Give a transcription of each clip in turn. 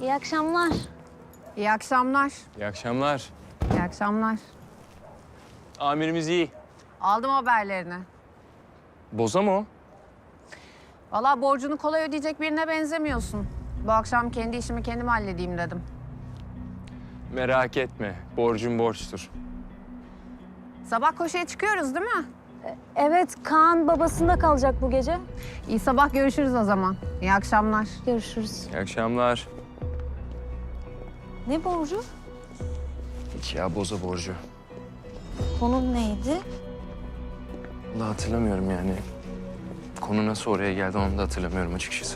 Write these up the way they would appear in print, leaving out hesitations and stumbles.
İyi akşamlar. İyi akşamlar. İyi akşamlar. İyi akşamlar. Amirimiz iyi. Aldım haberlerini. Boza mı o? Vallahi borcunu kolay ödeyecek birine benzemiyorsun. Bu akşam kendi işimi kendim halledeyim dedim. Merak etme. Borcum borçtur. Sabah koşuya çıkıyoruz değil mi? Evet, Kaan babasında kalacak bu gece. İyi sabah görüşürüz o zaman. İyi akşamlar. Görüşürüz. İyi akşamlar. Ne borcu? Hiç ya boza borcu. Konum neydi? Vallahi hatırlamıyorum yani. Konu nasıl oraya geldi onu da hatırlamıyorum açıkçası.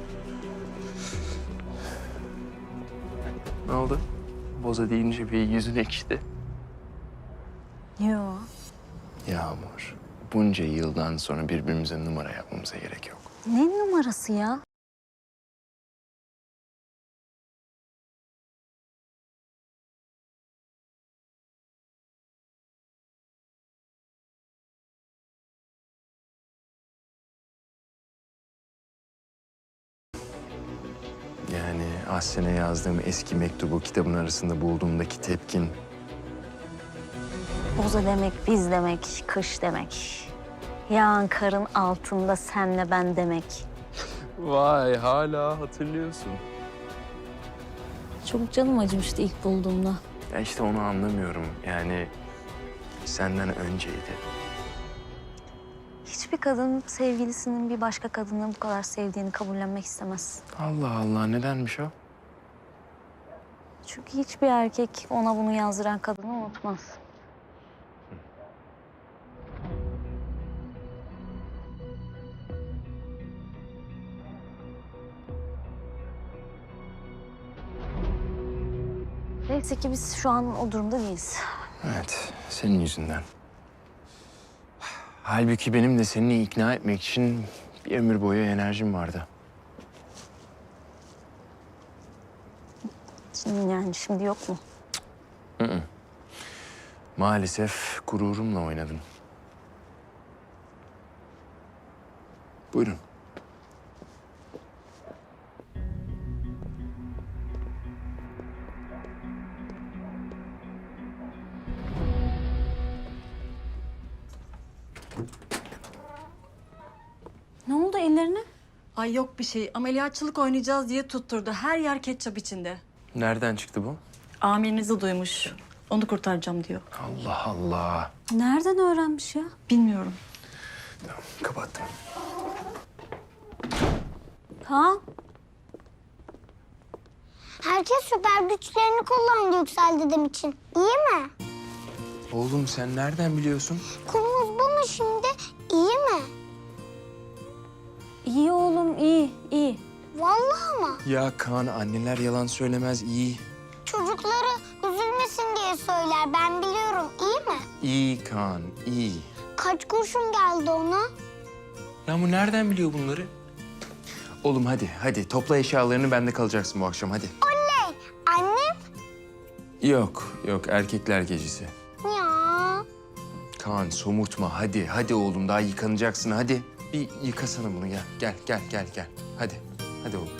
Ne oldu? Boza deyince bir yüzün ekşidi. Yo. Yağmur, bunca yıldan sonra birbirimize numara yapmamıza gerek yok. Ne numarası ya? Yani Ahsen'e yazdığım eski mektubu kitabın arasında bulduğumdaki tepkin... Boza demek, biz demek, kış demek. Yağan karın altında senle ben demek. Vay hala hatırlıyorsun. Çok canım acımıştı ilk bulduğumda. Ya işte onu anlamıyorum. Yani senden önceydi. Hiçbir kadın sevgilisinin bir başka kadını bu kadar sevdiğini kabullenmek istemez. Allah Allah nedenmiş o? Çünkü hiçbir erkek ona bunu yazdıran kadını unutmaz. Neyse ki biz şu an o durumda değiliz. Evet, senin yüzünden. Halbuki benim de seni ikna etmek için bir ömür boyu enerjim vardı. Şimdi yok mu? Maalesef gururumla oynadın. Buyurun. Ne oldu ellerine? Ay yok bir şey. Ameliyatçılık oynayacağız diye tutturdu. Her yer ketçap içinde. Nereden çıktı bu? Amirinizi duymuş. Onu kurtaracağım diyor. Allah Allah. Nereden öğrenmiş ya? Bilmiyorum. Tamam, kapattım. Kaan. Herkes süper güçlerini kullandı Yüksel dedem için. İyi mi? Oğlum sen nereden biliyorsun? Konumuz bu mu şimdi? İyi mi? İyi oğlum, iyi, iyi. Vallahi mı? Ya Kaan anneler yalan söylemez iyi. Çocukları üzülmesin diye söyler. Ben biliyorum. İyi mi? İyi Kaan iyi. Kaç kurşun geldi ona? Ya bu nereden biliyor bunları? Oğlum hadi topla eşyalarını bende kalacaksın bu akşam hadi. Oley! Annem? Yok erkekler gecesi. Ya. Kaan somurtma hadi oğlum daha yıkanacaksın hadi. Bir yıkasana bunu gel. Hadi oğlum.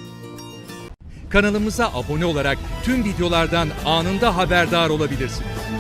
Kanalımıza abone olarak tüm videolardan anında haberdar olabilirsiniz.